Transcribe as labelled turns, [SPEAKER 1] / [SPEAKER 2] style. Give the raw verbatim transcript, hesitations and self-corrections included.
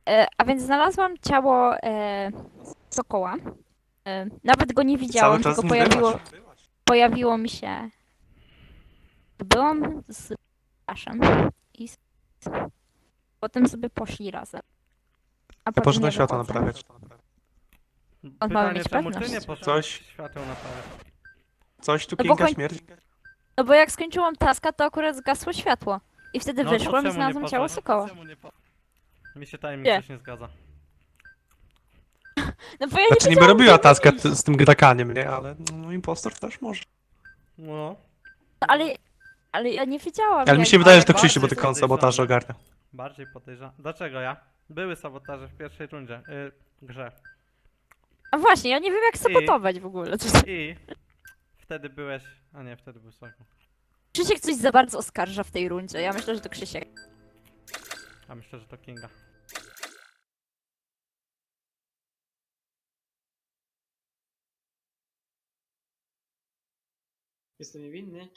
[SPEAKER 1] E, a więc znalazłam ciało e, sokoła. E, nawet go nie
[SPEAKER 2] Cały
[SPEAKER 1] widziałam,
[SPEAKER 2] czas
[SPEAKER 1] tylko
[SPEAKER 2] nim
[SPEAKER 1] pojawiło,
[SPEAKER 2] byłaś.
[SPEAKER 1] pojawiło mi się. Byłam z Aszem i z... potem sobie poszli razem. A
[SPEAKER 2] Ja
[SPEAKER 1] potem
[SPEAKER 2] poszedłem
[SPEAKER 1] ja
[SPEAKER 2] światło
[SPEAKER 1] wychodzę.
[SPEAKER 2] naprawiać.
[SPEAKER 1] On ma
[SPEAKER 3] Pytanie,
[SPEAKER 1] mieć
[SPEAKER 3] czemu ty
[SPEAKER 1] pewność.
[SPEAKER 3] nie poszedłeś
[SPEAKER 2] Coś,
[SPEAKER 3] świateł naprawiać?
[SPEAKER 2] coś tu
[SPEAKER 1] No bo,
[SPEAKER 2] Kinga
[SPEAKER 1] koń...
[SPEAKER 2] śmierdzi.
[SPEAKER 1] no bo jak skończyłam taska, to akurat zgasło światło. I wtedy
[SPEAKER 3] No to
[SPEAKER 1] wyszłam i
[SPEAKER 3] czemu nie
[SPEAKER 1] znalazłam ciało
[SPEAKER 3] poszłaś?
[SPEAKER 1] sokoła.
[SPEAKER 3] Czemu nie po... Mi się tajemnic
[SPEAKER 1] Nie.
[SPEAKER 3] coś nie zgadza.
[SPEAKER 1] No bo ja nie
[SPEAKER 2] Znaczy niby
[SPEAKER 1] wiedziałam,
[SPEAKER 2] robiła
[SPEAKER 1] gdzie
[SPEAKER 2] taskę
[SPEAKER 1] iść.
[SPEAKER 2] t- z tym grakaniem, nie? Ale no impostor też może.
[SPEAKER 3] No.
[SPEAKER 1] Ale, ale ja nie wiedziałam.
[SPEAKER 2] Ale mi
[SPEAKER 1] jak-
[SPEAKER 2] się wydaje, że to
[SPEAKER 3] Ale
[SPEAKER 2] Krzysiu, bo
[SPEAKER 3] bardziej
[SPEAKER 2] tylko on
[SPEAKER 3] podejrzane.
[SPEAKER 2] sabotaż ogarnia.
[SPEAKER 3] Bardziej podejrzewam. Dlaczego ja? Były sabotaże w pierwszej rundzie. Yy, grze.
[SPEAKER 1] A właśnie, ja nie wiem jak sabotować w ogóle.
[SPEAKER 3] I wtedy byłeś... A nie, wtedy był Słako.
[SPEAKER 1] Krzysiek coś za bardzo oskarża w tej rundzie. Ja myślę, że to Krzysiek.
[SPEAKER 3] A myślę, że to Kinga.
[SPEAKER 4] Jestem niewinny.